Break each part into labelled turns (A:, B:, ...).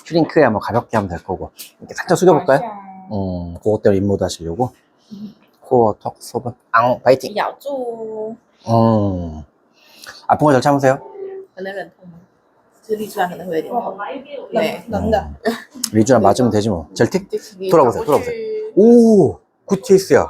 A: 슈링크에 한번 가볍게 하면 될 거고. 이렇게 살짝 숙여볼까요? 그것대로 인모드 하시려고. 코어, 턱, 소변, 파이팅!
B: 咬住，
A: 아픈 거 잘 참으세요.
B: 可能忍痛吗？就是立出来可能会有点痛。对，
C: 冷的。
A: 리주랑 맞으면 되지 뭐. 젤틱?
B: 你
A: 돌아보세요,
B: 跑过
A: 돌아보세요.
B: 去
A: 오! 굿 케이스야.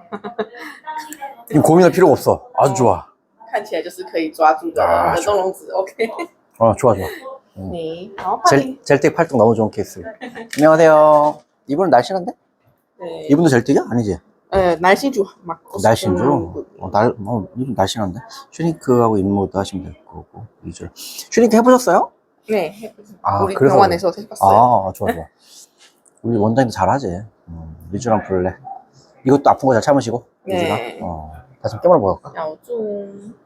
A: 지금 고민할 필요가 없어. 아주 좋아.
B: 看起来就是可以抓住的
A: 啊
B: 冷冻笼子。OK，
A: 좋아, 좋아.
B: 你然后换你
A: 젤틱 팔뚝 너무 좋은 케이스. 안녕하세요. 이분은 날씬한데?
B: 对，
A: 이분도 젤틱이야? 아니지?
B: 男性主嘛，
A: 날씬주? 이분 날씬한데? 슈링크하고 인모드 하시면 될 거고. 위주로. 슈링크 해보셨어요?
B: 네,
A: 아,
B: 우리
A: 그래서
B: 병원에서 해봤어요.
A: 아, 좋아, 좋아. 우리 원장님도 잘하지. 리주랑 블랙. 이것도 아픈 거 잘 참으시고. 리주랑.
B: 네.
A: 다시 좀 깨물어 볼까?
B: 咬住。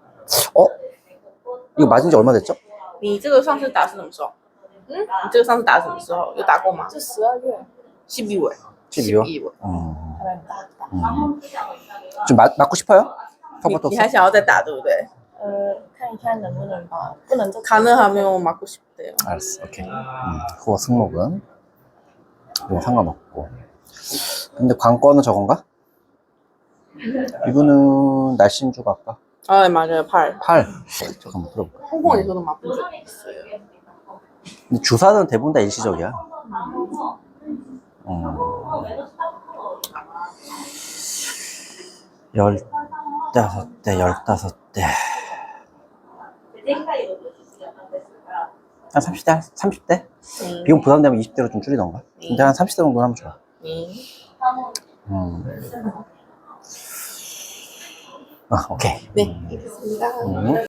A: 이거 맞은 지 얼마 됐죠?
B: 你这个上次打是什么时候？你这个上次打是什么时候？有打过吗？
C: 就12月
B: 12월.
A: 12월?
B: 12월.
C: 还没打。
A: 좀 맞고 싶어요?
B: 你还想要再打对不对？
C: 看一下能不能吧，不能再。
B: 가능하면 맞고 싶대요.
A: 알았어, 오케이. 그거 승모근. 이거 상관없고. 근데 관건은 저건가? 이분은 날씬주가 아까
B: 아, 네, 맞아요. 팔.
A: 팔. 잠깐만 들어볼까?
B: 홍콩에서도 맞은 적 있어요.
A: 근데 주사는 대부분 다 일시적이야. 15대, 15대. 한 30대? 30대? 비용 부담되면 20대로 좀 줄이던가. 근데 한 30대 정도 하면 좋아. 오케이.
B: 네, 알겠습니다.